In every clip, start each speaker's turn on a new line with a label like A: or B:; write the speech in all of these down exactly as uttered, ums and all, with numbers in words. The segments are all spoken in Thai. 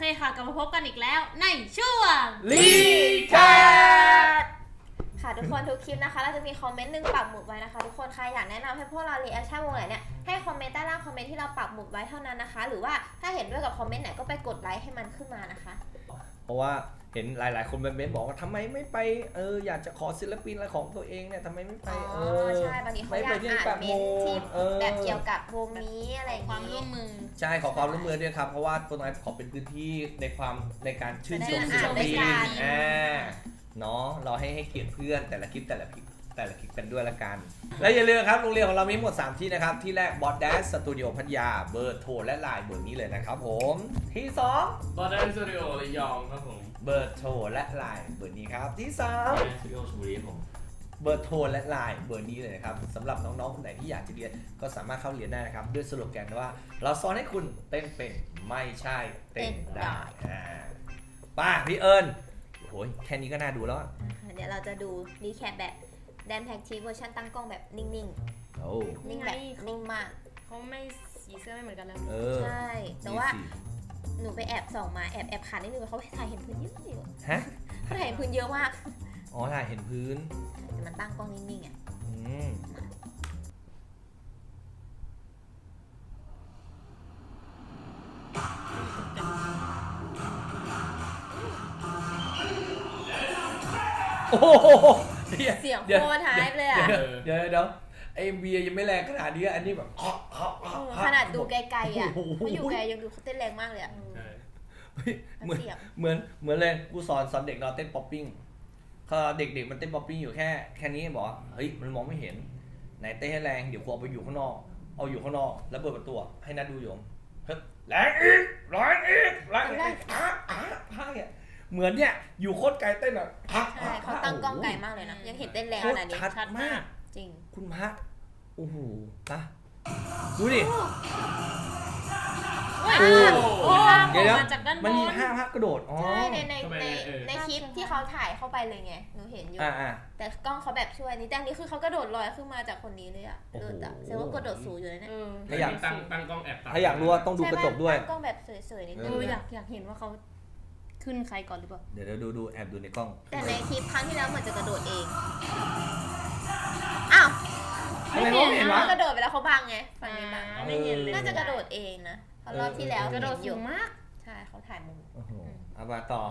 A: ค่ะกลับมาพบกันอีกแล้วในช่วง
B: รีแคป
C: ค่ะทุกคนทุกคลิปนะคะเราจะมีคอมเมนต์หนึ่งปักหมุดไว้นะคะทุกคนใครอยากแนะนำให้พวกเรารีแอคชั่นวงไหนเนี่ยให้คอมเมนต์ใต้ล่างคอมเมนต์ที่เราปักหมุดไว้เท่านั้นนะคะหรือว่าถ้าเห็นด้วยกับคอมเมนต์ไหนก็ไปกดไลค์ให้มันขึ้นมานะคะ
B: เพราะว่าเห็นหลายๆคนเมนต์บอกว่าทำไมไม่ไปเอออยากจะขอศิลปินอะไรของตัวเองเนี่ยทำไมไม่ไปเออ
C: ใช่บางทีเขาอยากอ่านเมนต์ที่แบบเกี่ยวกับวงนี้อะไร
A: ความร่วมมือ
B: ใช่ขอความร่วมมือด้วยครับเพราะว่าตัวนั้นขอเป็นพื้นที่ในความในการชื่นชมศิลปินอ่าเนาะเราให้ให้เกียรติเพื่อนแต่ละคลิปแต่ละคลิปแต่ละคลิปกันด้วยละกันและอย่าลืมครับโรงเรียนของเรามีหมดสามที่นะครับที่แรกบอสแดนสตูดิโอพัทยาเบอร์โทรและไลน์เบอร์นี้เลยนะครับผมที่สอง
D: บอสแดนสตูดิโอระยองครับผม
B: เบอร์โทรและไลน์เบอร์นี้ครับที่สาม
D: บอสแดนสตูดิโอชลบุรีผม
B: เบอร์โทรและไลน์เบอร์นี้เลยนะครับสำหรับน้องๆคนไหนที่อยากจะเรียนก็สามารถเข้าเรียนได้นะครับด้วยสโลแกนว่าเราสอนให้คุณเต้นเป็นไม่ใช่เต้นได้ป้าพี่เอิญโอ้ยแค่นี้ก็น่าดูแล้ว
C: เดี๋ยวเราจะดูรีแคปแบบแดนแพ็กทีเวอร์ชันตั้งกล้องแบบนิ่งๆ
B: โอ้
C: นิ่งแบบนิ่งมาก
A: เขาไม่สีเสื้อไม่เหมือนกันแล้ว
C: ใช่แต่ว่าหนูไปแอบส่องมาแอบแอบขานิดนึงเขาถ่ายเห็นพื้นเยอะอยู่
B: ฮะ
C: เขาถ่ายเห็นพื้นเยอะมาก
B: อ๋อถ่ายเห็นพื้น
C: แต่มันตั้งกล้องนิ่งๆอ่ะ
B: โอ้โห
C: เสียงโคตรท้ายเลยอ่ะ
B: เดี๋ยวเดี๋ยวไอเบียยังไม่แรงขนาดนี้อันนี้แบบ
C: ขนาดดูไกลๆอ่ะไม่อยู่ไกลยังดูเขาเต้นแรงมากเลยอ่ะ
B: เหมือนเหมือนเหมือนเลยกูสอนสอนเด็กเราเต้นป๊อปปิ้งเขาเด็กๆมันเต้นป๊อปปิ้งอยู่แค่แค่นี้บอกเฮ้ยมันมองไม่เห็นไหนเต้นให้แรงเดี๋ยวกูเอาไปอยู่ข้างนอกเอาอยู่ข้างนอกแล้วเปิดประตูให้นัดดูอยู่เฮ้ยแรงอีกแรงอีกแรงอีกอ่ะอ่ะพาเนี่ยเหมือนเนี่ยอยู่โคตรไกลเต้นอ่ะ
C: ใช่เขาตั้งกล้องไกลมากเลยนะยังเห็นเต้นแรงขนาดนี้
B: ชัดมาก
C: จริง
B: คุณพระโอ้โหปะดูดิ
A: โอ้
B: เดี๋ยวมันมีห้าภาพกระโดด
C: ใช่ในในในในคลิปที่เขาถ่ายเข้าไปเลยไงหนูเห็นอยู่แต่กล้องเขาแบบช่วยนี่แต่นี้คือเขากระโดดลอยขึ้นมาจากคนนี้เลยอ่ะโดดอ่ะแสดงว่ากระโดดสูงอยู่เลยเนี่ย
D: ถ้าอยากตั้งตั้งกล้องแอบ
B: ถ้าอยากรู้ว่าต้องดูกระจกด้วย
C: กล้องแบบสวยๆนิดนึง
A: อยากอยากเห็นว่าเขาขึ้นใครก่อนหรือเปล่า
B: เดี๋ยวดูดูแอบดูในกล้อง
C: แต่ในคลิปครั้งที่แล้วเหมือนจะกระโดดเองอ้าว
B: ไม่เห็นว่
C: ากระโดดไปแล้วเขาบังไงฝั่งนี้บัง
A: ไม่เห็นเลย
C: น่าจะกระโดดเองนะเพราะรอบที่แล้ว
A: กระโดดสูงมาก
C: ใช่เขาถ่ายมุม
B: โอ้โหเอามาต่อ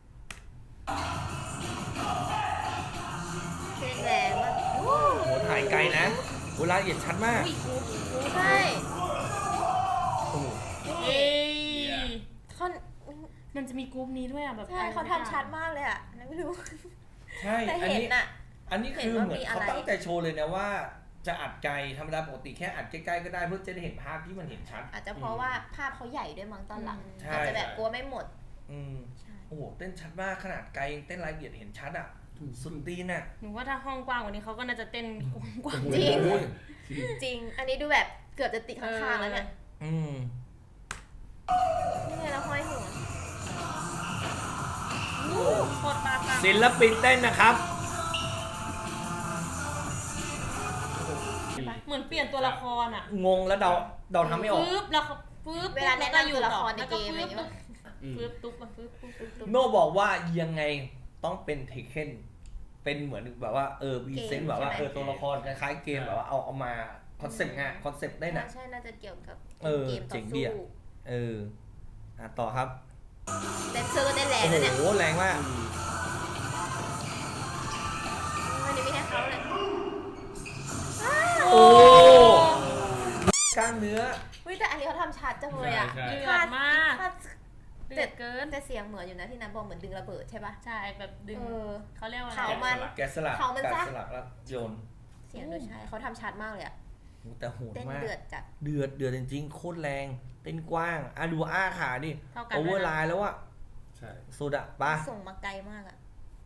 C: เต้นแรงมาก
B: โอ้โหถ่ายไกลนะเวลาละเอียดชัดมาก
C: ใช่
B: โอ้โห
A: เอ้ย
C: เขา
A: มันจะมีกรุ๊ปนี้ด้วยอ่ะแบบ
C: ใช่เขาทำชัดมากเลยอ่ะไม่รู้
B: ใช่
C: แต่เห็นอ่ะ
B: อันนี้คือเหมือนเขาตั้งใจโชว์เลยนะว่าจะอัดไกลธรรมดาปกติแค่อัดใกล้ๆก็ได้เพื่อจะได้เห็นภาพที่มันเห็นชัด
C: อาจจะเพราะว่าภาพเขาใหญ่ด้วยมั้งตอนหลังอาจจะแบบกลัวไม่หมด
B: อืมโอ้โหเต้นชัดมากขนาดไกลเต้นรายละเอียดเห็นชัดอ่ะสุดตีนอ่ะ
A: หนูว่าถ้าห้องกว้างกว่านี้เขาก็น่าจะเต้นกว้าง
C: จริงจริงอันนี้ดูแบบเกือบจะติดข้างๆแล้วเนี่ย
B: อืม
C: นี่ไงเราห้อยหัว
A: โคตรมาก
B: ศิลปินเต้นนะครับ
A: เหมือนเปลี่ยนตัวละครอ่ะ
B: งงแล้วเดาเดาทำไม่ออก
A: ปึ๊บแล้วปึ๊บ
C: เวลาแนะนำตัวละครในเกมอะไรอย่างเงี้ย
A: ปึ๊บตุ๊บปึ๊บปึ๊บ
B: โน่บอกว่ายังไงต้องเป็นเทคเคนเป็นเหมือนแบบว่าเออบีเซนแบบว่าเออตัวละครคล้ายๆเกมแบบว่าเอาเอามาคอนเซ็ปต์งานคอนเซ็ปต์ได้น่ะ
C: ใช่น่าจะเกี่ยวกับ
B: เกมต่อสู้เอออ่ะต่อครับ
C: แดนเซอร์ก็ได้แรงนะเนี่ย
B: โอ้โหแรงมาก
C: วันนี้ไม่ให้เขาเลย
B: โอ้กล้ามเนื้อ
C: วิแต่อันนี้เขาทำชัดจังเลยอ่ะ
A: เดือดมาก
C: เด็ดเกินแต่เสียงเหมือนอยู่นะที่น้ำบอลเหมือนดึงระเบิดใช่ปะ
A: ใช่แบบดึงเขาเรียกว่า
C: เขามัน
B: แกสลัก
C: เขามัน
B: แกสลักแล้วโยน
C: เสียงโดยใช่เขาทำชัดมากเลยอ่ะ
B: แต่โหดมาก
C: เดือดจัด
B: เดือดเดือดจริงๆโคตรแรงเต้นกว้างอ่ะดูอ้าขาดิโอเวอร์ไลน์แล้วอ่ะ
D: ใช่
B: สุดอ่ะปะ
C: ส่งมาไกลมากอ่ะ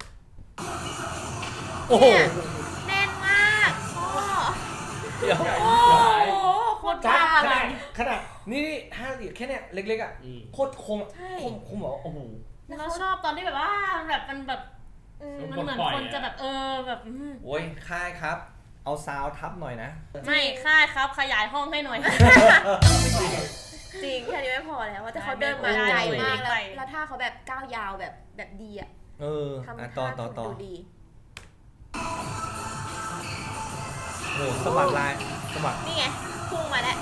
B: โอ้โห
C: แน่นมากพ่อ
B: เดี๋ยว
C: โอ้โหโคตรจ้า
B: ขนาดขนาดนี่ถ้าละเอียดแค่เนี้ยเล็กๆอ่ะโคตรคมคมคมแบบโอ้โห
A: แล้วชอบตอนที่แบบว่าแบบมันแบบมันเหมือนคนจะแบบเออแบบ
B: โอ้ยค่ายครับเอาซาวทับหน่อยนะ
A: ไม่ค่ายครับขยายห้องให้หน่อย
C: จริงแค่นี้ไม่พอแล้วว่าแต่เขาเดินมาไกลมากแล้วแล้วท่าเขาแบบก้าวยาวแบบแบบดีอ่ะ
B: เออ
C: ทำ
B: อ่ะ
C: ท่า
B: ต่อต่อต่อ
C: ดูดี
B: โอ้สะบัดลายสะบัด
C: นี่ไงพุ่งมาแล้ว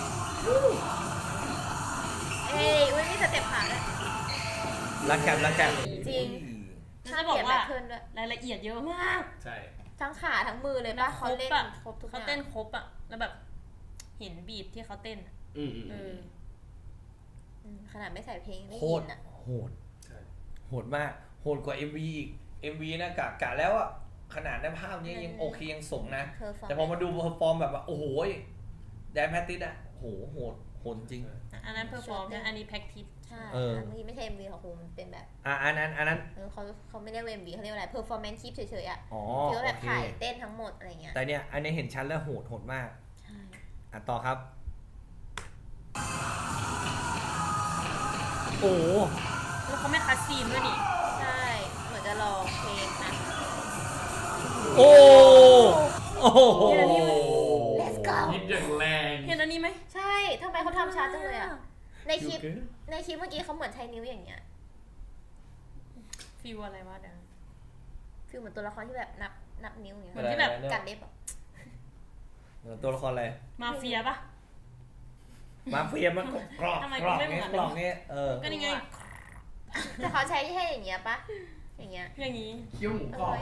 C: เอ้ยอุ้ยมีสเต็ปขาด้วย
B: รักแคบรักแคบ
C: จริง
A: จะบอกว่า
C: เปลี่ยนแพทเทิร์นด้วย
A: รายละเอียดเยอะมาก
D: ใช่
C: ทั้งขาทั้งมือเลยป่ะเขาเล่น
A: อะ
C: ครบทุกอ
A: เขา
C: ย่าง
A: เต้นครบอะแล้วแบบเห็นบีทที่เขาเต้นอะ
D: อืมอืม
A: เออ
C: อืมขนาดไม่ใส่เพลงได้
B: โค
C: ยิ
B: ตร
C: นอ่ะ
B: โหด
D: ใช่
B: โหดมากโหดกว่า เอ็ม วี อีก เอ็ม วี นะกะกะแล้วอะขนาดในภาพนี้ยังโอเคยังสมนะ
C: เธอฟัง
B: แต่พอมาดูเพอร์ฟอร์มแบบว่าโอ้โหแดนแพตติสอะโหโหดโหดจริง
A: อันนั้นเพอร์ฟอร์มนะอันนี้แพ็กทิส
C: ใช่
B: เออ
C: เมื่อกี้ไม่ใช่ เอ็ม วี ของครูมันเป็นแบบ
B: อ่ะอันนั้นอันนั้น
C: เออเขาเขาไม่เรียกว่า เอ็ม วี เขาเรียกว่าอะไร performance clip เฉยๆอ่ะ
B: อ๋อ
C: ที่ว่า
B: โอ
C: แบบ
B: เค
C: ถ่ายเต้นทั้งหมดอะไรเงี้ย
B: แต่เนี่ยอันนี้เห็นชัดแล้วโหดโหดมาก
C: ใช่
B: อ่ะต่อครับ โอ้โห
A: แล้วเขาไม่คัดซีนด้วยนี่
C: ใช่เหมือนจะรอเพลงนะ
B: โอ้โอ้โห
C: Let's go
D: ยิบอย่างแรง
A: เห็นอันนี้ไหม
C: ใช่ทำไมเขาทำช้าจังเลยอ่ะ ในคลิปในคลิปเมื่อกี้เขาเหมือนใช้นิ้วอย่างเงี้ย
A: ฟิลอะไรวะเดี๋ยว
C: คือเหมือนตัวละครที่แบบนับนับนิ้วอย่างเงี้ย
A: เหมือนที่แบบ
C: กัดเล็บอ่ะ
B: ตัวละครอะไร
A: มาเฟียปะ
B: มาเฟียมันกรอบ
A: ทำไม
B: กรอบ
A: ไม่เหมื
B: เงี้
A: อย น
B: กรอบเงี้ยเออ
A: ก็นี่ไง
C: แต่เขาใช้แค่อย่างเงี้ยปะอย่างเงี้ย
A: อย่างนี้
D: เคี้ยวหมูกรอบ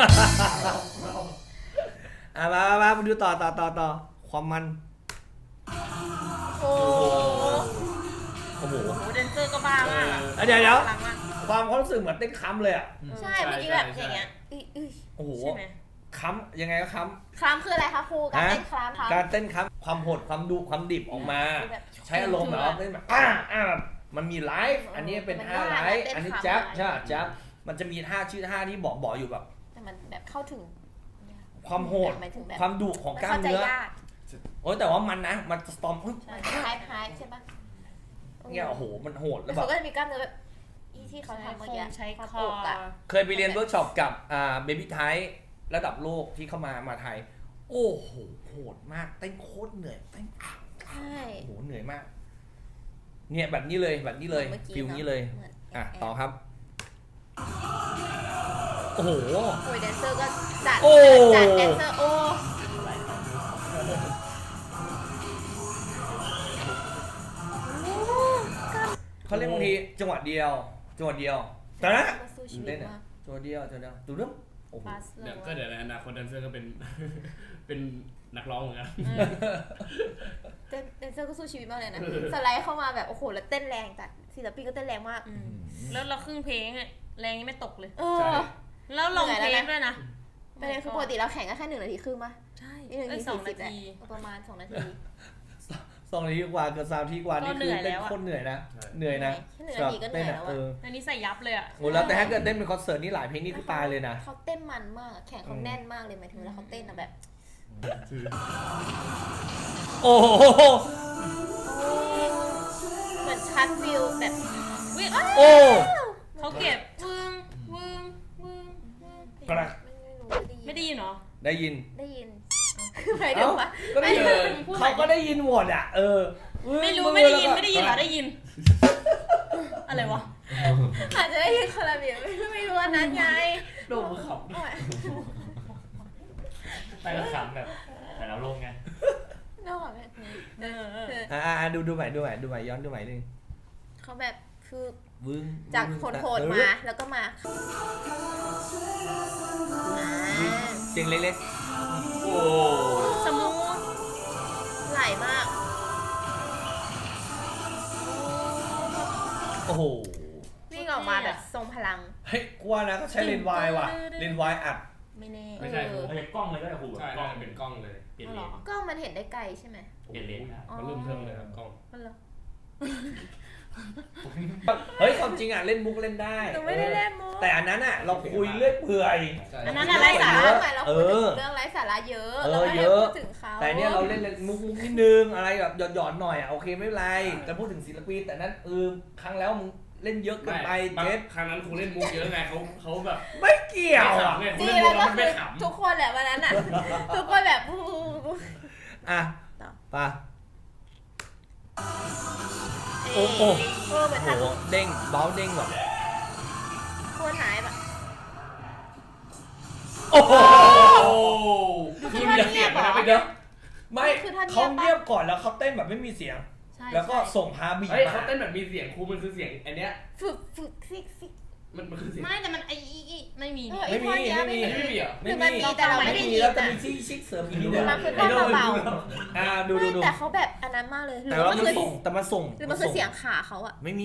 B: อ่ะมามามามาดูต่อต่อต่อต่อความมัน
C: โอ้
B: โอ้โห
A: โอ้โหแดนเซอร์ก็บ้ามากอะ
B: อ่ะเดี๋ยวเดี๋ยว
A: พลังมาก
B: ความความรู้สึกเหมือนเต้นค้ำเลยอ่ะ
C: ใช่เมื่อกี้แบบอย่างเงี้ยอื้ออื้อ
B: โอ้โห
A: ใช่ไหม
B: ค้ำยังไงก็ค้
C: คลามคืออะไรคะครูการเต้นคลามคะ
B: ำการเต้นค้ำความโหดความดุความดิบออกมา
C: คือแบบ
B: ใช้อารมณ์แบบว่าเต้นแบบอ่าอ่าแบบมันมีไลฟ์อันนี้เป็นท่าไลฟ์อันนี้แจ๊บใช่แจ๊บมันจะมีท่าชื่อท่าที่บอกบอกอยู่แบบ
C: แต่มันแบบเข้าถึง
B: ความโหด
C: หมายถึงแบบ
B: ความดุของกล้าม
C: เข้าใจ
B: เนื้อ
C: ยาก
B: โอ้ยแต่ว่ามันนะมันสตอม
C: มันคล้ายคล้ายใช่ปะ
B: เนี่ยโอ้โหมันโหดแล้
C: แล้ว ว
B: แบบ
C: เขาก็จะมีกล้ามเนื้อแบบอีที่เขาทำเมื่อกี้
A: ใช้ค
C: ความ
A: อ
C: อกอะ
B: เคยไปเรียนเวิร์กช็อปกับอ่าเบบี้ไทระดับโลกที่เข้ามามาไทย โอ้โหโหดมากเต้นโคตรเหนื่อยเต้นอ่ะ
C: ใช่
B: โอ้โหเหนื่อยมาก เนี่ยแบบนี้เลยแบบนี้เลย
C: มื่อกี้
B: ฟิลนี้เลย
C: หมืน
B: อ่ะ
C: แบ
B: ต่อครับ โอ้โห
C: โอ้ยแดนเซอร์ก็จัด
B: โอ้
C: จัดแดนเซอร์โอ้
B: เขาเล่นบางทีจังหวะเดียว จังหวะเดียว แต่นะ
C: ก็สู้ชีวิ
B: เล่
C: ต
B: นอ่ะ
C: มาก
B: จังหวะเดียวจังหวะเดียวดูเรื่องโอ้โห
A: ฟาสโล
D: เดี๋ยวก็เดี๋ยวในอนาคตแดนเซอร์ก็เป็น เป็นนักร้องเหมือนกัน
C: แดนแดนเซอร์ก็สู้ชีวิตมากเลยนะสไลด์เข้ามาแบบโอ้โหแล้วเต้นแรงจัดศิลปินก็เต้นแรงมาก
A: อืมแล้วเราครึ่งเพลงอะแรงยังไม่ตกเลย
C: เอ
D: ใช่
C: อ
A: แล้วลอง
C: เหนื่
A: เท
C: อย
A: ป
C: แล้วนะ
A: ด้วยนะ
C: ประเด็นคือปกติเราแข่งกันแค่หนึ่งนาทีครึ่งปะ
A: ใช่
C: นี่หนึ่ง
A: เอ้
C: นาย ที
A: สอง
C: สี่สิ
A: นา
C: บแหละ
A: ที
C: ประมาณสองนาที
B: สองนาทีกว่าเกือบสามนาทีกว่านี่คือเต้นโคตรเหนื่อยนะ
D: ใช่
B: เหนื่อยนะ
C: แค่หนึ่งนาทีก็เหนื่อยแล้ว
B: เอ
C: อะ
B: อ
A: อันนี้ใส่ยับเลยอะ
B: โอ้แล้วแต่ถ้าเกิดเต้นเป็นคอนเสิร์ตนี่หลายเพลงนี่คือตายเลยนะ
C: เขาเต้นมันมากแข่งเขาแน่นมากเลยหมายถึงเวลาเขาเต้นอะแบบ
B: โอ้โห
C: เหมือนชัดฟิลแบบ
A: วิ
B: โอ้
A: เขาเก็บวึงวึงวึงวึง
B: กระ
C: ไม่รู้ได้ยิน
A: ไม่ได้ยินเหรอ
B: ได้ยิน
C: ได้ยินหมายถึงว่า
B: ก็ได้ยิน
A: ไม่ได้ยิน
B: เขาก็ได้ยินหมดอ่ะ เออ
A: ไม่รู้ไม่ได้ยินไม่ได้ยินเหรอได้ยิน อะไรวะ
C: อาจจะได้ยินคนละแบบไม่รู้อันนั้นไง
D: โดนมือขับไปแล้วขำแบบ แต่เราลงไง
C: นอกแบบนี้
A: เออเออ
C: คือ
B: อ่าดูดูใหม่ดูใหม่ดูใหม่ย้อนดูใหม่นึง
C: เขาแบบคือ
B: วึ้ง
C: จากโหดๆมาแล้วก็มาอ่า
B: เสียงเล็ก
D: โอ้
A: สมูท
C: ไหลมาก
B: ๆ โอ้โห
C: วิ่งออกมาแบบทรงพลัง
B: เฮ้ยกว่านะก็ใช้เลนส์วายว่ะ เลนส์วายอัด
A: ไม่แน่
D: ไม่ใช่
C: เออ
E: เอาจากกล้องเลยก็ได้ครู
D: ใช่
E: กล้อง
D: เป็นกล้องเลย
E: เปลี่ยนเลนส์
C: กล้องมันเห็นได้ไกลใช่ไหม
E: เปลี่ยนเลนส์ได้
D: มันเริ่มเทิมเลยครับกล้อง
A: มันเหรอ
B: เฮ้ยความจริงอ่ะเล่นมุกเล่นได้
C: หนูไม่ได้เล่นมุก
B: แต่อันนั้นอ่ะเราคุยเรื่อยเปื่อย
A: อันนั้น
C: ไร้
A: อะไร
C: สา
A: สา
C: ระ
A: ระ
C: หมายเรา
B: เอ
C: พูดถึ
B: อ
C: งเรื่องไร้สาระเยอะ
B: เออ
C: เราไม่ได้
B: เยอะ
C: พูดถึงเขา
B: แต่เนี้ยเราเล่นเล่นมุกมุกนิดนึงอะไรแบบหยอดหยอดๆหน่อยอ่ะโอเคไม่เป็นไรแต่พูดถึงศิลปินแต่นั้นเออครั้งแล้วมึงเล่นเยอะเกินไป
D: บาง
B: เจ็ด
D: ครั้งนั้นครูเล่นมุกเยอะไงเขาเขาแบบ
B: ไม่เกี่ยวอ่ะ
D: ไม่ขำไง
C: จริง
D: เล่นมุ
C: แล้ว
D: ก
C: ก็
D: แล้วมัน
C: คื
D: ไม่
C: อ
D: ขำ
C: ทุกคนแหละวันนั้นอ่ะ ทุกคนแบบ
B: อ่ะ
C: ต่อ
B: ไปโอ้โห
C: เออเหมือน
B: โอ้
C: ทำ
B: โหเด้งเบ้าเด้งแบบ
C: โคนหายแบบ
B: โอ้โห
D: โอ้คือมีเสียงนะไปเด้อ
B: ไม่เขาเงียบก่อนแล้วเขาเต้นแบบไม่มีเสียง
A: ใช่
B: แล้วก็ส่งฮาร์บี
D: เฮ้ย
B: มา
D: เขาเต้นแบบมีเสียงครูมันคือเสียงอันเนี้ย
C: ฝึกฝึกซิกซิก
D: มันมันคือเสียง
A: ไม่แต่มันไอ้อีอีไม่มี
C: เอ
A: นี่
C: อไอ้ท่อนเนี้ยไม่
D: อันนี้
C: มี
D: ไม่มีเหรอ
C: หรือมันมีแต่เราไม่ได้ยิน
B: แล้วจะ
C: อะ
B: มีซี่ชิกเสริมอีกนิด
C: หรื
B: นึ
C: อง มันคือท่อนเบา
B: อ่าดูดู
C: ไม่
B: ดู
C: แต่เขาแบบอันนั้นมากเลยหรื
B: แต่
C: อ
B: ว่า
C: มัน
B: มัน
C: คือ
B: ส่งแต่มันส่ง
C: หรือมันคือเสียงขาเขาอะ
B: ไม่มี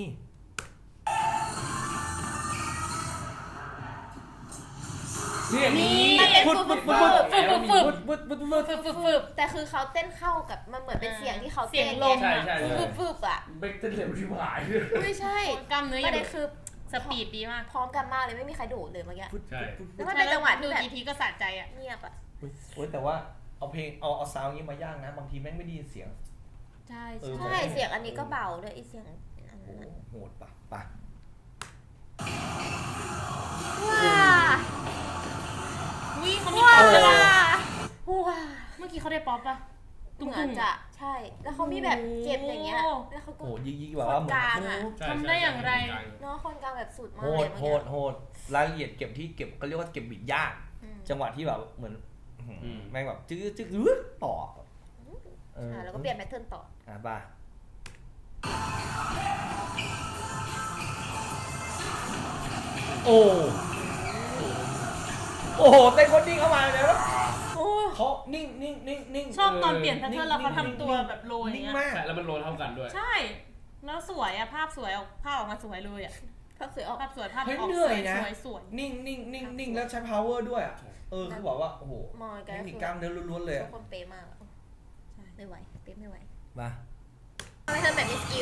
D: เนี่ยมี
C: มันเป็น
B: ฟุด
C: ฝึก
B: ฟุ
C: ฝึ
B: ด
C: ก
B: ฟุด
C: ฝึก
B: ฟุดฟุดฟุดฟุดฟุด
A: ฝึกฝึกฝึก
C: แต่คือเขาเต้นเข้ากับมันเหมือนเป็นเสียงที่เขา
A: เสียง
C: เต้น
A: ลม
D: ใช่ใช่
C: ฝึ
D: ใช่
C: กฝึกอะ
D: เบคเต้นเร็วที่หาย
C: ไม่ใช่
A: กล้ามเนื้อ
C: ป
A: ยั
C: ระ
A: ง
C: เด็นคือ
A: สปีดดีมาก
C: พร้อมกันมากเลยไม่มีใครโดดเลยเมื่อกี้
D: ใช่
C: แล้วมันเป็นจังหวะ
A: ดู
C: ที่แบบ
A: กี่ทีก็สะใจอ่ะ
C: เงียบอะ
B: โอ้ยแต่ว่าเอาเพลงเอาเอาซาวด์นี้มายากนะบางทีแม่งไม่ได้ยินเสียง
A: ใช่
B: เออ
C: ใช่เสียงอันนี้ก็เบาด้วยไอเสียงอัน
B: โอ้
C: นั้น
B: โหโหดปะปะ
C: ว้า
A: วิ่งเขามี
C: ว้า
A: ป๊อปด้วย
C: ว้า
A: นะ
C: ว้า
A: เมื่อกี้เขาได้ป๊อปปะ
C: เหมือนจะใช่ แล้วเขามีแบบเก็บอย่างเงี้ย
A: โอ้
C: แล้วเขาก็
B: โอ้โหยิ่งยิ่งแบบว่าเหมือน
C: กลางอะ
D: ใช่
A: ทำได้อย่างไร
C: เนาะคนกลางแบบสุดมาก
B: โห
C: เล
B: ด
C: ย
B: โหดโหดรายละเอียดเก็บที่เก็บเขาเรียกว่าเก็บบิดยาก
C: อืม
B: จังหวะที่แบบเหมือนอื้อหือ
D: อืม
B: แม่งแบบจื้อจื้ออื้อต่อเออ
C: อ่าแล้วก็เปลี่ยนแพทเทิร์นต่อ
B: อ่ะป่ะโอ้โอ้โหเต้นคนนิ่งเข้ามาเลยนะ
C: โอ้
B: เขานิ่งนิ่งนิ่งนิ่ง
A: ชอบตอนเปลี่ยนแพทเทิร์นแล้วเขาทำตัวแบบโรยอย่าง
B: นิ่ง
A: เงี้ย
B: มาก
D: ใช่แล้วมันโรลเท่ากันด้วย
A: ใช่ แล้วสวยอะภาพสวยออกภาพออกมาสวยเลยอะ
C: ภาพสวยออก
A: ภาพสวยภาพ
B: เฮ้ย
A: ออก
B: เหนื่
A: ส
B: อ
A: วย ย
B: นะ
A: สวยสวย
B: นิ่งนิ่งนิ่งนิ่งแล้วใช้ power ด้วยอ่ะเออคือบอกว่าโอ้โห
C: มองกัน
B: เท
C: ก็
B: คนิค
C: คือก
B: ล้ามเนื้อล้วนๆเลย
C: ทุ
B: อะ
C: กคนเป๊ะมากอะไม่ไหวเป๊ะไม่ไหว
B: มา
C: ทำไมเธอแบบมีสกิล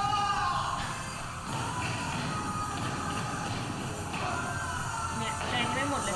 A: เนี่ยแรงไม่หมดเลย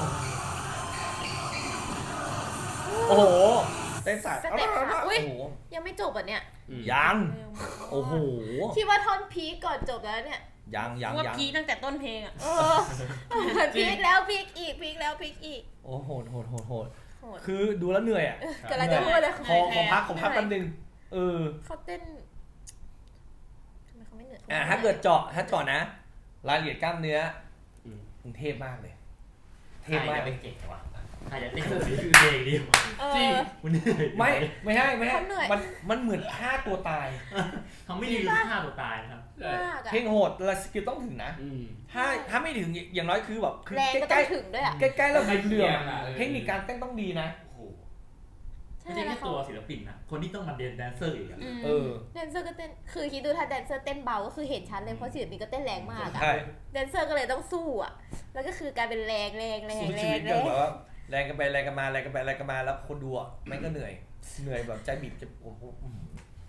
B: โอ้โหเต้นสาย
C: สเต็ปขา
B: โอ้
C: อุ้ย
B: โห
C: ยังไม่จบอ่ะเนี่ย
D: อืม
B: ยังโอ้โห
C: คิดว่าท่อนพีคก่อนจบแล้วเนี่ย
B: ยังยัง
A: ว่า
B: ยัง
A: พีคตั้งแต่ต้นเพลงอะ
C: เออพีคแล้วพีคอีกพีคแล้วพีคอีก
B: โอ้โหโหดโหดโหด
C: โหด
B: คือดูแล้วเหนื่อยอ่ะ
C: กำลังจะพูดเลย
B: ขอขอพักขอพักแป๊บนึงเออ
C: เขาเต้นทำไมเขาไม่เหนื่อย
B: อ่ะถ้าเกิดเจาะถ้าเจาะนะรายละเอียดกล้ามเนื้อ
D: อืม
B: กรุงเทพมากเลย เท
E: ใคร
B: พมาก
E: จะ
B: เล
E: เป็
B: ย
E: นเก่งวะใครจะเต้นคือเพลงดีวะ
C: เอ
D: จริง
C: อ
E: มันเหนื่อย
B: ไม่ไม่ให้ไม่ให้
C: เขาเหนื่อย
B: มันมันเหมือนฆ่าตัวตาย
E: เขาไม่ได้ดูฆ่าตัวตายนะครับ
D: ใช่
C: มากอะ
B: เพลงโหดแล้วสกิลต้องถึงนะ
D: อืม
B: ถ้าถ้าไม่ถึงอย่างน้อยคือแบบคือ
C: แรงก็
B: ใก
C: ต้อ
B: ล้
C: งถึงด้วยอ่ะ
B: ๆใกล้ๆแล้วเหลื่อม
D: ใกล้เคียงอะเออ
B: เทคนิคการเต้นต้องดีนะ
E: โอ้โห
C: ใช่
E: ไม่ใช่
C: แล้
E: แค่
C: วเขา
E: ตัวศิลปินนะ คนที่ต้องมาเดนแดนเซอร์อีกอะ
A: อืม
B: เออ
C: แดนเซอร์ก็เต้นคือคิดดูถ้าแดนเซอร์เต้นเบาก็คือเห็นชัดเลยเพราะศิลปินก็เต้นแรงมากอะ
B: ใช่
C: แดนเซอร์ก็เลยต้องสู้อ่ะแล้วก็คือกลายเป็นแรงแรงแรง
B: สู้
C: แร
B: ชีวิ
C: ง
B: ต
C: แร
B: เดียว
C: ง
B: แบบว่าแรงกันไปแรงกันมาแรงกันไปแรงกันมาแล้วคนดูอ่ะแม่งก็เหนื่อย เหนื่อยแบบใจบีบจะโอ้โหอื้อหือ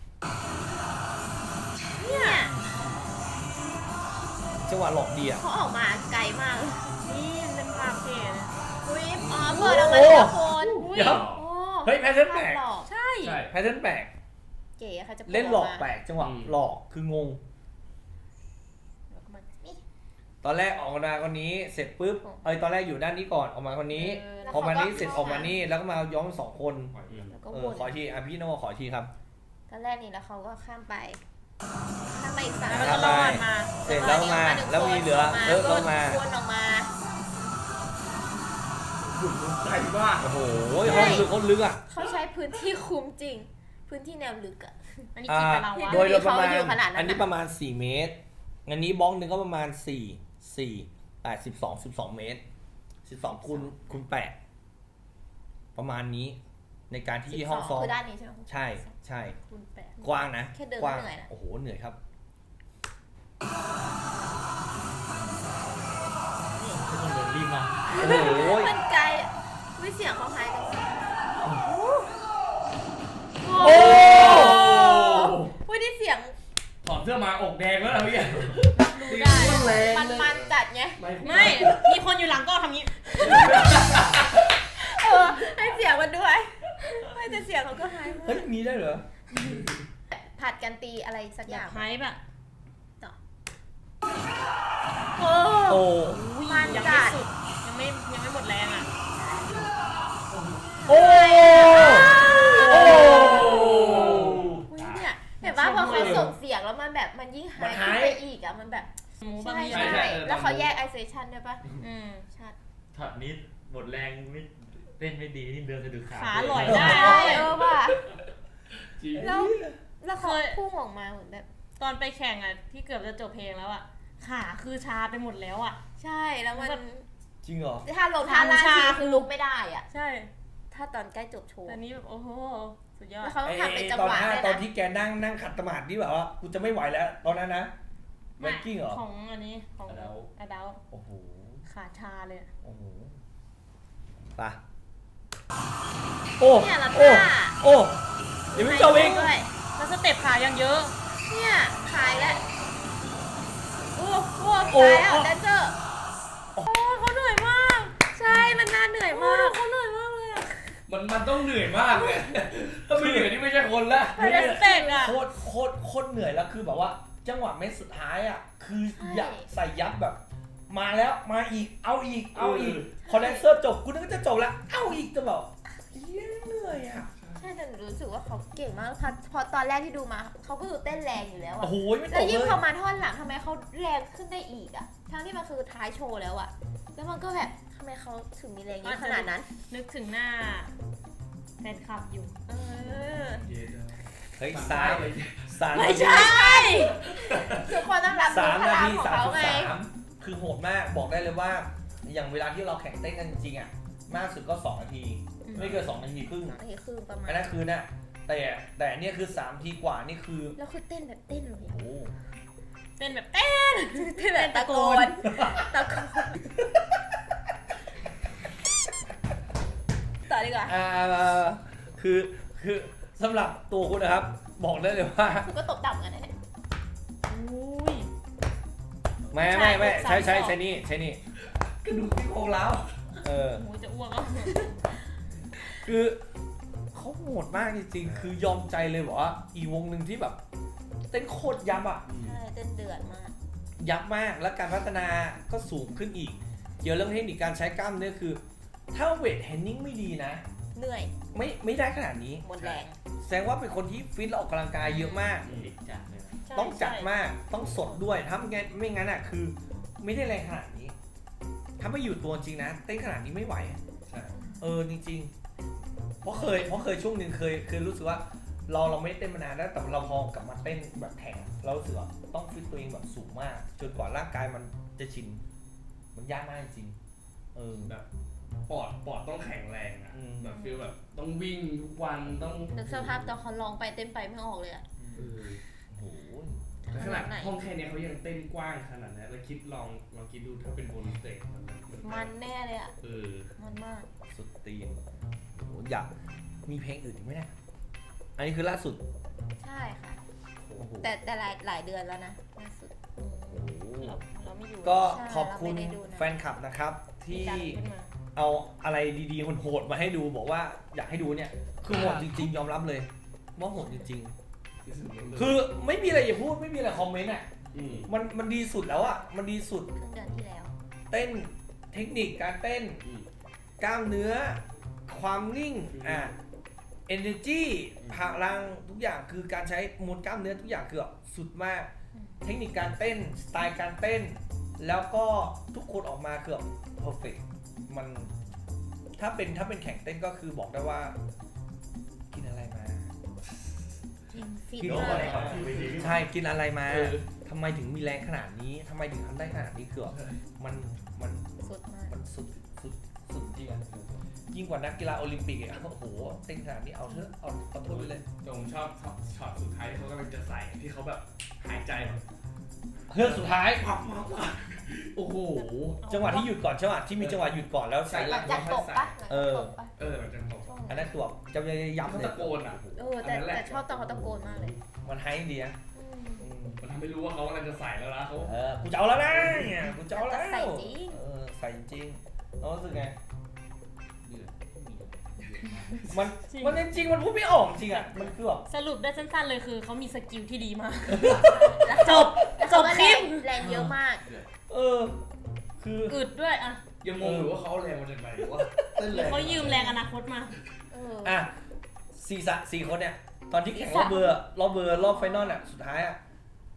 C: เนี่ย
B: จังหวะหลอกดีอ่ะ
C: เขาออกมาไกลมากเลย
A: นี่มันเป็นภาพเท่นะ
C: อุ้ยอ๋อเปิดออกมาทีละคน
B: เดี๋ยว
C: โอ้
B: เฮ้ยแพทเทิร์นแปลก
C: หลอก
A: ใช่
D: ใช่
B: แพทเทิร์นแปลก
C: เก๋อะค่ะจะปิด
B: เล่นหลอก
C: มา
B: แปลกจังหวะ
D: อืม
B: หลอกคืองง
C: นี่
B: ตอนแรกออกมาคนนี้เสร็จปุ๊บเอ้ยตอนแรกอยู่ด้านนี้ก่อนออกมาคนนี้
C: เออแล้ว
B: ออกมานี้
C: เขาก็
B: เสร็จออกมานี่แล้วก็มาย้อมสองคน
D: อืม
C: แล้วก็
B: เอ
C: ว
B: อน ขอทีอ่ะพี่นวขอทีครับ
C: ตอนแรกนี่แล้วเขาก็ข้ามไปข้ามไปอีกสาม
A: แล้วก็รอดมา
B: เสร็จแล้วมาแล้วมีเหลือเออแล้วมา
C: วนออกมา
D: ใจมาก
B: โอ้โหห้องลึกห้องลึกอ่ะ
C: เขาใช้พื้นที่คุ้มจริง พื้นที่แนวลึกอะ
A: อันนี้กี่กับเราวะ
B: โดยโดยประมาณ
C: เขาอยู่ขนาดนั้นอะ
B: อันนี้ประมาณสี่เมตร อันนี้บ้องหนึ่งก็ประมาณสี่ สี่แปดสิบสอง สิบสองเมตร สิบสองคูณคูณแปดประมาณนี้ในการที่ห้องซ้อม
C: คือด้านนี้ใช่ไหม
B: ใช่ใช่
A: คูณแปด
B: กว้างนะ
C: แค่เดิน
B: กว้าง
C: ก็เหนื่อยนะ
B: โอ้โหเหนื่อยครับ
E: ทุกคนโดนรีบมา
B: โอ้โห
C: มันไกลอะวิเสียงเขาหายกัน
B: โอ้
C: วิได้เสียง
D: ถอดเสื้อมาอกแดงแล้วนะพี่แก
A: รู้ได้
C: มันมันจัดไง
A: ไม่ มีคนอยู่หลังก็ทำงี้
C: เออให้เสียงมันด้วยไม่แต่เสียงเขาก็หายหม
B: เฮ้ย
C: ด
B: มีได้เหรอ
C: ผัดกันตีอะไรสักอ
A: อยา
C: ย่าก ง
A: ไฮป์อะ
C: โอ้
B: โอ้
C: มัน
A: ยัง
C: จั
A: ไม่
C: ด
A: สุด ยังไม่ยังไม่หมดแรงอะ
B: โอ้โอ้
C: อุ๊ยเนี่ยเห็นว่าพอเขาส่งเสียงแล้วมันแบบแบบมันยิ่งหาย
B: มันหาย
C: ขึ้นไปอีกอ่ะมันแบบ
A: หมูบะ
C: ใช่
A: หมี่
C: ใช่แล้วเขาแยกไอโซเลชันด้วยปะ
A: อืม
C: ชัด
E: ช็อตนี้หมดแรงไม่เต้นไม่ดีนี่เดินสะดุดขา
A: ขาลอย
C: ใช่
A: ได้
C: เออว่ะ
D: จริง
C: แล้วแล้วเขา
A: เคย
C: พุ่งออกมาเหมือนแบบ
A: ตอนไปแข่งอ่ะที่เกือบจะจบเพลงแล้วอ่ะขาคือชาไปหมดแล้วอ่ะ
C: ใช่แล้วมัน
B: จริงเหรอ
C: ถ้าลงท่าล่าง
A: ชา
C: ทีคือลุกไม่ได้อ่ะ
A: ใช่
C: ถ้าตอนใกล้จบโชว์
A: แต่นี้แบบโอ้โหสุดยอด
C: แล้วเขาต้องทำเป็นจัง
B: ตอน
C: หวะ
B: ห้า
C: ด้วย
B: ตอน
C: นะ
B: ที่แกนั่งนั่งขัดสมาธิที่แบบว่ากูจะไม่ไหวแล้วตอนนั้นนะแบงกิ้งเหรอ
A: ของอันนี้ของ
E: แล้ว
A: อดัล
B: โอ้โห
A: ขาชาเลยอะ
B: โอ้โหไปโอ้
C: เนี่ยแล้ว
B: โอ้
C: ท่า
B: โอ้ยังไม่จบอีก
C: ด้วย
A: แล้วสเต็ปขายังเยอะ
C: เนี่ยขายแล้วโอ้โหขายแล้วแดนเซอร์
A: โอ้เขาเหนื่อยมาก
C: ใช่มันน่าเหนื่อย
A: โอ้
C: มาก
A: เขาเหนื่อยมากเลยอะ
D: มันมันต้องเหนื่อยมากเลยถ้าไม่เหนื่อยนี่ไม่ใช่คนละ
A: ไปเรสเปกอะ
B: โคตรโคตรโคตรเหนื่อยแล้วคือแบบว่า จังหวะเม็ดสุดท้ายอ่ะคืออยากใส่ยับแบบ มาแล้วมาอีกเอาอีกเอาอีกคอนเดนเซอร์จบกูนึกว่าจะจบแล้วเอาอีกจะแบบเหี้ยเหนื่อยอ่ะ
C: ใช่แต่หนูรู้สึกว่าเขาเก่งมากพอพอตอนแรกที่ดูมาเขาก็ดูเต้นแรงอยู่แล้วอะ
B: โอ้โหไม่ต
C: แล้ว
B: ก
C: ยิ่ง
B: เลย
C: พอมาท่อนหลังทำไมเขาแรงขึ้นได้อีกอะทั้งที่มันคือท้ายโชว์แล้วอะแล้วมันก็แบบทำไมเขาถึงมีแรงเยอะขนาดนั้น
A: นึกถึงหน้าแฟนคลับอยู่
C: เออ
B: เฮ้ยสามสาม
A: ไม่ใช่
C: ทุกคนต้องรับ
B: สา
C: รู้
B: ม
C: พ
B: นา
C: ลัง
B: ที
C: ของ
B: สาม
C: เขา
B: สิบ
C: ไง
B: สามคือโหดมากบอกได้เลยว่า อย่างเวลาที่เราแข่งเต้นกันจริงๆอ่ะมากสุดก็สองนาที
C: อืม
B: ไม่เกินสองนาทีครึ่ง
C: สองนาทีครึ่งประมาณ
B: อันนั้นคือน่ะแต่แต่เนี่ยคือสามนาทีกว่านี่คือ
C: แล้วคือเต้นแบบเต้นเลย
B: โอ้
C: อะ
B: โห
A: เต้นแบบเต้น
C: เต้นแบบตะโกนตะโกนต่อดีกว่า
B: อ่าคือคือสำหรับตัวคุณนะครับ บอกได้เลยว่า
C: คุณก็ตบต่ำกันนะเนี่ย
A: อุ้ย
B: ไม่ไม่ไม่
A: ใช่
B: ใช่ใช่
A: สามสอง
B: ใช่นี่ใช่นี่กระดูกที่โครงแล้วเออ
A: โอ้ยจะอ้วกแล้ว
B: คือเขาโหดมากจริงๆ คือยอมใจเลยบอกว่าอีกวงหนึ่งที่แบบ เต้นโคตรยับอ่ะ
C: ใช่เต้นเดือดมาก
B: ยับมากแล้วการพัฒนาก็สูงขึ้นอีก เกี่ยวเรื่องเทคนิคการใช้กล้ามเนื้อคือ ถ้าเวทเทรนนิ่งไม่ดีนะ
C: เหนื่อย
B: ไม่ไม่ได้ขนาดนี้
C: หมดแรง
B: แสดงว่าเป็นคนที่ฟิตและออกกำลังกายเยอะมาก
E: เด็กจัดเลยนะ
A: ใช่
B: ต้องจัด
A: ใช่
B: มากต้องสดด้วยถ้าไม่งั้นไม่งั้นอ่ะคือ ไม่ได้แรงขนาดนี้ ถ้าไม่อยู่ตัวจริงนะเต้นขนาดนี้ไม่ไหว
D: ใช่
B: เออจริงๆ เพราะเคยเพราะเคยช่วงหนึ่งเคยเคยรู้สึกว่า เราเราไม่ได้เต้นมานานแล้วแต่เราพอกลับมาเต้นแบบแข่งเรารู้สึกว่าต้องฟิตตัวเองแบบสูงมาก จนกว่าร่างกายมันจะชิน มันยากมากจริงเออ
D: แบบปอดปอดต้องแข็งแรงอะ
B: อืม
D: แบบฟีลแบบต้องวิ่งทุกวันต้อง
C: นึกสภาพตอนเขาลองไปเต้นไปไม่ออกเลยอะ
D: เออ
B: โอ้โห
D: แต่ขนาด
C: ไหน
D: ห้องแค่เนี้ยเขายังเต้นกว้างขนาดนั้นแล้วคิดลองลองคิดดูถ้าเป็นบนสเตจมันมัน
C: มันแน่เลยอะ
D: เออ
C: มันมาก
B: สุดตีนโอ้โหอยากมีเพลงอื่นอีกไหมเนี่ยอันนี้คือล่าสุด
C: ใช่ค่ะ
B: โอ้โห
C: แต่แต่หลายหลายเดือนแล้วนะล่าสุดอืม
B: โอ้โห
A: เราเราไม่อยู่
B: ก็
C: ใช่
B: ขอบคุณ
C: เราไม่ได้ดูนะ
B: แฟนคลับนะครับ ที่
A: ดันขึ้นมา
B: เอาอะไรดีๆโหดๆมาให้ดูบอกว่าอยากให้ดูเนี่ย คือโหดจริงๆ ยอมรับเลย ว่าโหดจริงๆ คือไม่มีอะไรอย่าพูดไม่มีอะไรคอมเมนต์อ่ะ
D: อืม
B: มันมันดีสุดแล้วอ่ะมันดีสุด
C: ครึ่งเดือนที่แล้ว
B: เต้นเทคนิคการเต้น
D: อืม
B: กล้ามเนื้อ ความนิ่ง
D: อืม
B: อ่ะ energy พลังทุกอย่างคือการใช้มวลกล้ามเนื้อทุกอย่างคือแบบสุดมาก
C: อืม
B: เทคนิคการเต้นสไตล์การเต้น แล้วก็ทุกคนออกมาคือแบบ perfect มันถ้าเป็นถ้าเป็นแข่งเต้นก็คือบอกได้ว่า กินอะไรมา
C: จริงฟิต
B: กิน
C: มา
B: อะ
C: ก
B: ไร
C: เลย
B: มาใช่กินอะไรมา
D: เออ
B: ทำไมถึงมีแรงขนาดนี้ทำไมถึงทำได้ขนาดนี้คือแบบมันมัน
C: สุดมาก
B: มันสุดสุดสุดจริงอ่ะยิ่งกว่านักกีฬาโอลิมปิกอ่ะโอ้โหเต้นขนาดนี้เอาเถอะเอาเอาโทษไปเลย
D: แต่ผมชอบช็อตช็อตสุดท้ายที่เขากำลังจะใส่ที่เขาแบบหายใจแบบ
B: เฮือกสุดท้าย
D: ปับปับปับโอ้โห
B: จังหวะที่หยุดก่อนใช่ไหมที่มีจังหวะหยุดก่อนแล้วใส่
C: หลังจากตกปะหลัง
B: เอ
C: จาก
B: อ
C: ตกปะ
D: เออมันจะตก
C: ช่วง
B: อัน
C: นั้
B: นั้น นตัวจะย้ำ
D: เขา
B: เลย
D: ตะโกนอ่ะ
C: เออแต่แต่ชอบตอนเขาตะโกนมากเลย
B: มันไฮดีนะ
C: อืม
B: อืม
D: มันทำให้รู้ว่าเขากำลังจะใส่แล้วนะเขา
B: เออกูจะเอาแล้วนะเนี่ยกูจะเอาแล้ว
C: ใส่จริง
B: เออใส่จริงน้องรู้สึกไง
D: เดือด
B: มัน
A: จริง
B: มันจริงๆมันพูดไม่ออกจริงอ่ะมันคือแบบ
A: สรุปได้สั้นๆเลยคือเขามีสกิลที่ดีมาก
C: แล้ว
A: จบ
C: แล้ว
A: จ
C: เขา
A: บ
C: ก็
A: คลิป
C: แรงแรงเยอะมาก
B: เออ คือ
A: อึดด้วยอ่ะ
D: ยังงงอยู่ว่าเขาเอาแรงมาจากไหนวะเต้น
A: ห
D: แร
A: รือง เขายืมแรงอนาคตมา
C: เออ
B: อ่ะสี่สะสี่คนเนี่ย ตอนที่แข่ง
C: สี่
B: รอ
C: สะ
B: บเบอร์รอบเบอร์รอบไฟนอลอ่ะสุดท้ายอ่ะ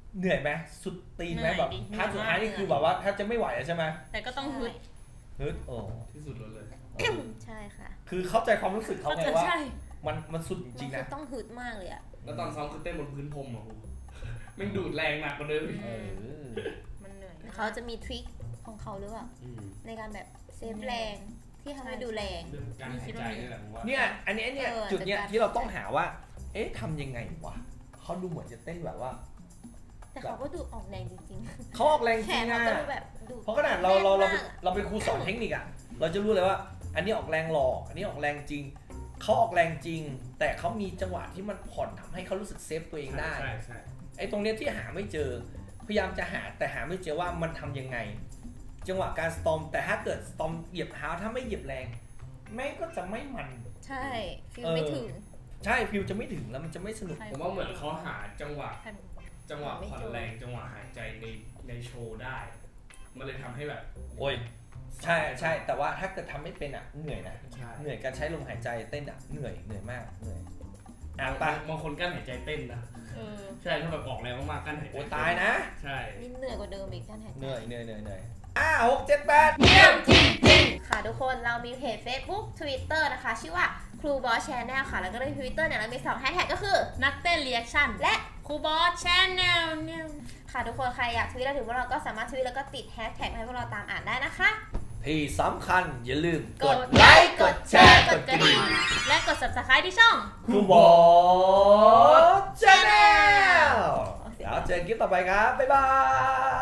B: เหนื่อยไหมสุดตีนไหม
A: เหนื่อย
B: แบบ
A: ดิ
B: ท้ายสุดท้ายนี่
A: เหนื่อย
B: คือแบบว่าแทบจะไม่ไหวแล้วใช่ไหม
A: แต่ก็ต้องฮึด
B: ฮึดโอ้
D: ที่สุดเลย
C: ใช่ค่ะ
B: คือเข้าใจความรู้สึกเขา
A: ก็
B: ไง
A: จะ
B: ว่า
A: ใช่
B: มันมันสุดจริงๆ
C: มั
B: นะ
C: นต้องฮึดมากเลยอะ
D: แล้วตอนซ้อมคือเต้นบนพื้นพรมอ่ะครูแม่งดูดแรงหนักกว่าเดิมอีก
B: เออ
A: มันเหนื่อย
C: เขาจะมีทริคของเขาหรือเปล่า
D: อืม
C: ในการแบบเซฟแรงที่ทำให้ดูแรง
D: เรื่องการหายใจนี่แหละผมว่า
B: เนี่ยอันนี้เนี่ย
C: เออ
B: จุดเนี้ย
C: จัดการ
B: ที่เราต้องหาว่า เอ๊ะทำยังไงวะเขาดูเหมือนจะเต้นแบบว่า
C: แต่เขาก็ดูออกแรงจริง
B: เขาออกแรง
C: ๆ แข
B: จริ
C: น
B: ง
C: เขา
B: อะ
C: ก็ดูแบบดู
B: เพราะขนาดเราเราเรา
C: แน่นมกอะ
B: เราเป็นครูสอนเทคนิคอะเราจะรู้เลยว่า อันนี้ออกแรงหลอกอันนี้ออกแรงจริงเขาออกแรงจริง แต่เขามีจังหวะที่มันผ่อนทำให้เขารู้สึกเซฟตัวเองได้
D: ใช่ใช่
B: ไอ้ตรงเนี้ยที่หาไม่เจอ พยายามจะหาแต่หาไม่เจอว่ามันทำยังไง จังหวะการสตอมแต่ถ้าเกิดสตอมเหยียบเท้าถ้าไม่เหยียบแรงแม่งก็จะไม่มัน
C: ใช่ฟิลไม่ถึง
B: ใช่ฟิวจะไม่ถึงแล้วมันจะไม่สนุก
D: ผมว่าเหมือนเขาหาจังหวะ
A: ใช่
D: จังหวะผ่อนแรงจังหวะหายใจในในโชว์ได้ มันเลยทำให้แบบ
B: โอ้ยใช่ใช่แต่ว่าถ้าเกิดทำไม่เป็นอ่ะเหนื่อยนะ
D: ใช่
B: เหนื่อยการใช้ลมหายใจเต้นอ่ะเหนื่อยเหนื่อยมากเหนื่อยอ่ะไป
D: บางคนกั้นหายใจเต้นนะ
A: เออ
D: ใช่ถ้าแบบออกแรงมากๆกั้นหายใจ
B: โอ้ยตายนะ
D: ใช่
C: นี่เหนื่อยกว่าเดิมอีกการหายใจ
B: เหนื่อยเหนื่อยเหนื่อยเหนื่อยอ่ะหกเจ็ดแปดเยี่ยมจริงจริง
C: ค่ะทุกคนเรามีเพจ Facebook Twitter นะคะ ชื่อว่าครูบอสแชนแนลค่ะ แล้วก็ใน Twitter เนี่ยเรามีสองแฮชแท็กก็คือ
A: นักเต้นเรีแอคชั่น
C: และ
A: ครูบอสแชนแนลเนี่ย
C: ค่ะทุกคนใครอยากทวีตเราถึงพวกเราก็สามารถทวีตแล้วก็ติดแฮชแท็กให้พวกเราตามอ่านได้นะคะ
B: ที่สำคัญอย่าลืมก
A: ก
B: ด
A: ด
B: ไล
A: ไล
B: ค์
A: ค์
B: ก
A: ก
B: ด
A: ด
B: แช
A: แช
B: ร์
A: ร์
B: ก
A: ก
B: ด
A: ด
B: ก
A: ก
B: ระ
A: ระ
B: ดิ่
A: ดิ่
B: ง
A: งและกด Subscribe ที่ช่อง
B: ครูบอสชาแนลเดี๋ยวเจอกันคลิปต่อไปครับ บ๊ายบาย